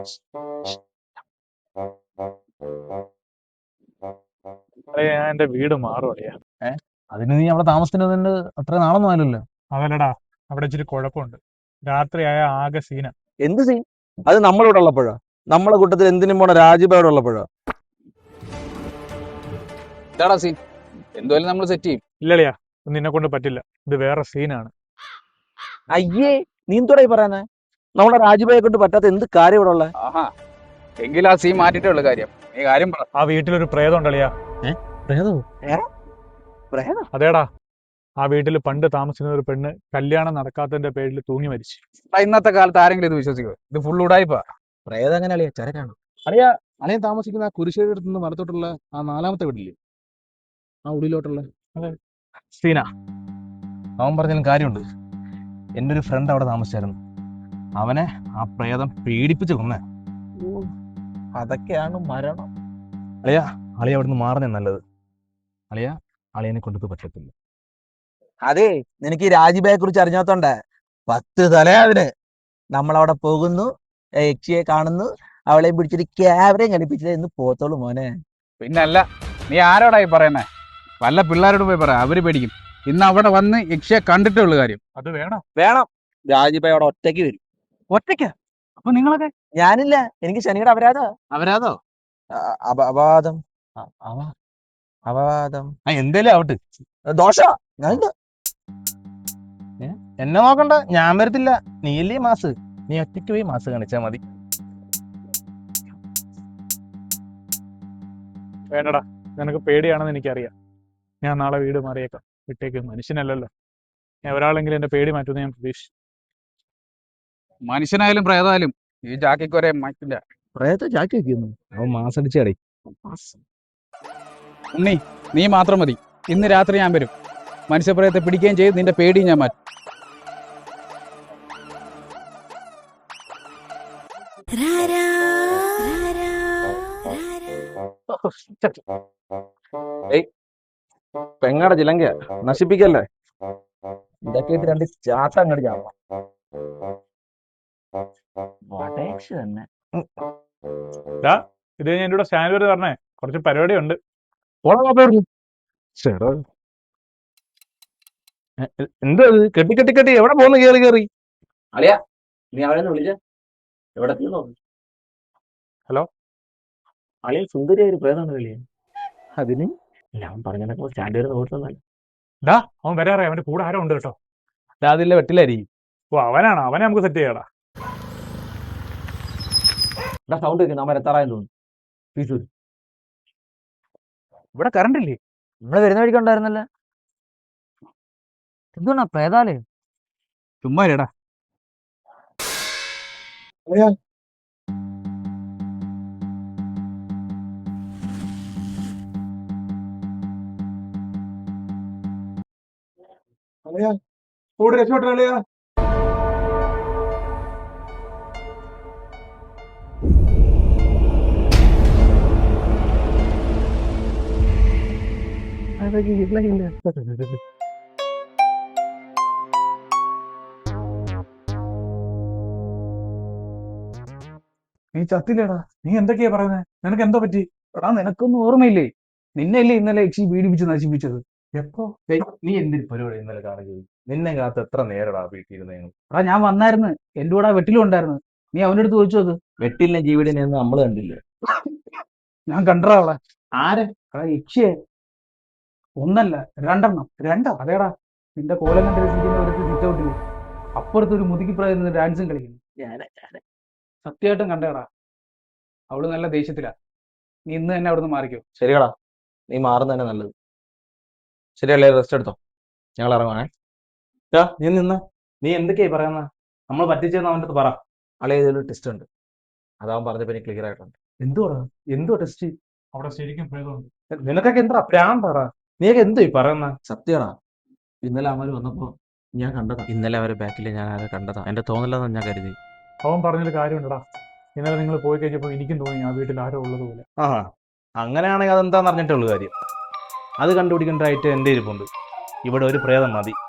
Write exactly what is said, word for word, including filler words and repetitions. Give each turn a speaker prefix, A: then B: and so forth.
A: അളിയാ, ഞാൻ എന്റെ വീട് മാറും അളിയാ.
B: ഏഹ് അതിന് നീ അവിടെ താമസിക്കുന്നത് അത്ര നാളൊന്നും ആയല്ലോ.
A: അതല്ലടാ, അവിടെ ഇച്ചിരി കുഴപ്പമുണ്ട്. രാത്രിയായ ആകെ സീന.
B: എന്ത് സീൻ? അത് നമ്മളിവിടെ ഉള്ളപ്പോഴോ? നമ്മളെ കൂട്ടത്തിൽ എന്തിനും പോണ രാജീവ് ഇവിടെ ഉള്ളപ്പോഴോ?
C: ഇതാടാ സീൻ. എന്തുവല്ല നമ്മൾ സെറ്റ് ചെയ്യും.
A: ഇല്ലളിയാ, നിന്നെ കൊണ്ട് പറ്റില്ല. ഇത് വേറെ സീനാണ്.
B: അയ്യേ, നീ എന്തോടാ ഈ പറയുന്നേ? നമ്മളെ രാജീവയെ കൊണ്ട് പറ്റാത്ത എന്ത് കാര്യം ഇവിടെ ഉള്ള?
C: ആഹാ, എങ്കിൽ ആ സീൻ മാറ്റിട്ടേ ഉള്ളു കാര്യം. നീ കാര്യം പറ.
A: ആ വീട്ടിലൊരു പ്രേതം ഉണ്ടളിയാ. അതേടാ, ആ വീട്ടിൽ പണ്ട് താമസിക്കുന്ന ഒരു പെണ്ണ് കല്യാണം നടക്കാത്തതിന്റെ പേരിൽ തൂങ്ങി മരിച്ചു.
C: എടാ, ഇന്നത്തെ കാലത്ത് ആരെങ്കിലും ഇത് വിശ്വസിക്കുമോ? ഇത് ഫുൾ ഉടായിപ്പാ.
B: പ്രേതം എങ്ങനെ അളിയാ? ചരക്കാണ് അളിയാ. അളിയൻ താമസിക്കുന്ന ആ കുരിശേരി അടുത്ത് നിന്ന് വലത്തോട്ടുള്ള ആ നാലാമത്തെ വീട്ടില്ലേ, ആ ഉള്ളിലോട്ടുള്ള
A: സീന.
B: അവൻ പറഞ്ഞാലും കാര്യമുണ്ട്. എൻ്റെ ഒരു ഫ്രണ്ട് അവിടെ താമസിച്ചായിരുന്നു. അവനെ ആ പ്രേതം പീഡിപ്പിച്ച് കൊന്നേ. അതൊക്കെയാണ് മരണം. അളിയാ, അളിയ അവിടുന്ന് മാറുന്നേ നല്ലത്. അളിയ അളിയനെ കൊണ്ടത് പറ്റത്തില്ല. അതെ, നിനക്ക് ഈ രാജീബയെ കുറിച്ച് അറിഞ്ഞാത്തോണ്ടേ പത്ത് തലയാതിന് നമ്മളവിടെ പോകുന്നു, യക്ഷിയെ കാണുന്നു, അവളെ പിടിച്ചിട്ട് ക്യാമറയും ഘടിപ്പിച്ചിട്ട് എന്ന് പോത്തോളൂ മോനെ.
C: പിന്നല്ല, നീ ആരോടായി പറയുന്നേ? വല്ല പിള്ളേരോട് പോയി പറ, അവര് പേടിക്കും. ഇന്ന് അവിടെ വന്ന് യക്ഷിയെ കണ്ടിട്ടേ ഉള്ളു കാര്യം.
A: അത് വേണം
B: വേണം. രാജീബ അവിടെ ഒറ്റയ്ക്ക് വരും.
C: ഒറ്റയ്ക്ക? അപ്പൊ നിങ്ങളൊക്കെ?
B: ഞാനില്ല, എനിക്ക് ശനിയുടെ അപരാധോ
C: അവരാതോ
B: അപവാദം അപവാദം എന്തേലും ആവട്ടെ. ദോഷ ഞാൻ എന്നെ നോക്കണ്ട, ഞാൻ വരത്തില്ല. നീയല്ലേ മാസ്, നീ ഒറ്റയ്ക്ക് പോയി മാസ് കാണിച്ചാ മതി.
A: വേണ്ടടാ, നിനക്ക് പേടിയാണെന്ന് എനിക്കറിയാം. ഞാൻ നാളെ വീട് മാറിയേക്കാം. വിട്ടേക്ക്, മനുഷ്യനല്ലല്ലോ. ഞാൻ ഒരാളെങ്കിലും എന്റെ പേടി മാറ്റുമെന്ന് ഞാൻ പ്രതീക്ഷിച്ചു.
C: മനുഷ്യനായാലും പ്രേതായാലും ഈ ജാക്കിക്ക് ഒരേ മാറ്റില്ല.
B: പ്രേതത്തെ ചാക്കി വെക്കുന്നു, അവൻ മാസടിച്ചടേ.
C: ഉണ്ണി, നീ മാത്രം മതി. ഇന്ന് രാത്രി ഞാൻ വരും. മനുഷ്യപ്രേതത്തെ പിടിക്കുകയും ചെയ്ത് നിന്റെ പേടി ഞാൻ മാറ്റും.
B: പെങ്ങടെ ചിലങ്ക നശിപ്പിക്കല്ലേ. ഇതൊക്കെ രണ്ട് ചാട്ട അങ്ങോട്ട് ചാവാം. തന്നെ
A: ഇത് ഞാൻ എന്റെ കൂടെ സ്റ്റാൻഡ് വരെ പറഞ്ഞേ, കുറച്ച് പരിപാടി ഉണ്ട്.
B: എന്താ കെട്ടി കെട്ടി കെട്ടി എവിടെ പോന്ന് കേറി കേറി?
D: അളിയാ, നീ അവനെ വിളിച്ച എവിടെ?
A: ഹലോ
D: അളിയ, സുന്ദരിയായ ഒരു പ്രേതാണ് കളിയ.
B: അതിന്
D: അവൻ പറഞ്ഞ സ്റ്റാൻഡ് വരെ നോക്കുന്നല്ല.
A: ഡാ, അവൻ വരാറേ. അവന്റെ കൂടെ ആരോ ഉണ്ട് കേട്ടോ.
B: അതിലെ വെട്ടിലായിരിക്കും.
A: ഓ, അവനാണോ? അവനെ നമുക്ക് സെറ്റ് ചെയ്യാടാ.
D: സൗണ്ട് വെക്കുന്നു, അവൻ എത്താറായെന്ന് തോന്നുന്നു.
A: ഇവിടെ കറണ്ട് ഇല്ലേ?
D: നമ്മള് വരുന്ന വഴിക്കുണ്ടായിരുന്നല്ലേ. എന്തുകൊണ്ടാ പ്രേതാലേ?
C: ചുമ്മാ ഇരടാ.
A: രക്ഷപ്പെട്ട നീ ചത്തില്ലേടാ? നീ എന്തൊക്കെയാ പറയുന്നത്? നിനക്ക് എന്തോ പറ്റി?
C: എടാ, നിനക്കൊന്നും ഓർമ്മയില്ലേ? നിന്നെയല്ലേ ഇന്നലെ യക്ഷി പീഡിപ്പിച്ച് നശിപ്പിച്ചത്?
A: എപ്പോ?
B: നീ എന്തൊരു പരിപാടി ഇന്നലെ കാണിച്ചത്? നിന്നെ കാത്ത് എത്ര നേരടാ വീട്ടിലിരുന്ന?
C: എടാ, ഞാൻ വന്നായിരുന്നു. എന്റെ കൂടെ ആ വെട്ടിലും ഉണ്ടായിരുന്നു. നീ അവന്റെ അടുത്ത് ചോദിച്ചു അത്.
B: വെട്ടിലിനെ ജീവിടിനെ ഒന്നും നമ്മള് കണ്ടില്ല.
C: ഞാൻ കണ്ടടാ അവളെ.
A: ആരെ?
C: എടാ, യക്ഷിയെ. ഒന്നല്ല, രണ്ടെണ്ണം. രണ്ടോ? അതേടാ, നിന്റെ കോലം കണ്ടിരിക്കുന്ന ഒരു സിറ്റ് ഔട്ടില് അപ്പുറത്ത് ഒരു മുതുക്കി പ്രായം ഡാൻസും കളിക്കുന്നു. സത്യമായിട്ടും കണ്ടേടാ. അവള് നല്ല ദേഷ്യത്തിലാ. നീ ഇന്ന് തന്നെ അവിടുന്ന് മാറിക്കോ.
B: ശരിയടാ, നീ മാറുന്ന തന്നെ നല്ലത്. ശരിയല്ലേ, റെസ്റ്റ് എടുത്തോ, ഞങ്ങൾ ഇറങ്ങുവാണേ. നീ നിന്ന് നീ എന്തൊക്കെയായി പറയുന്ന? നമ്മൾ പറ്റിച്ചെന്ന് അവൻ്റെ അടുത്ത് പറ. അളെ, ഇതിലൊരു ടെസ്റ്റ് ഉണ്ട്, അതാവൻ പറഞ്ഞപ്പോ എനിക്ക് ക്ലിയർ ആയിട്ടുണ്ട്. എന്തുവാ എന്തുവാ ടെസ്റ്റ്?
A: അവിടെ ശരിക്കും പ്രേതമുണ്ട്.
B: നിനക്കൊക്കെ എന്താ പ്രാന്താടാ? നീയൊക്കെ എന്തോ ഈ പറയുന്ന? സത്യടാ, ഇന്നലെ അവര് വന്നപ്പോ ഞാൻ കണ്ടതാ. ഇന്നലെ അവരെ ബാക്കിൽ ഞാൻ ആരെ കണ്ടതാ. എന്റെ തോന്നലെന്ന് ഞാൻ കരുതി.
A: അവൻ പറഞ്ഞൊരു കാര്യമുണ്ടടാ. ഇന്നലെ നിങ്ങൾ പോയി കഴിഞ്ഞപ്പോൾ എനിക്കും തോന്നി ആ വീട്ടിൽ ആരോ ഉള്ളത് പോലെ.
B: ആ, അങ്ങനെയാണെങ്കിൽ അതെന്താന്ന് അറിഞ്ഞിട്ടുള്ളൂ കാര്യം. അത് കണ്ടുപിടിക്കേണ്ടതായിട്ട് എൻ്റെ ഇരിപ്പുണ്ട്. ഇവിടെ ഒരു പ്രേതം മതി.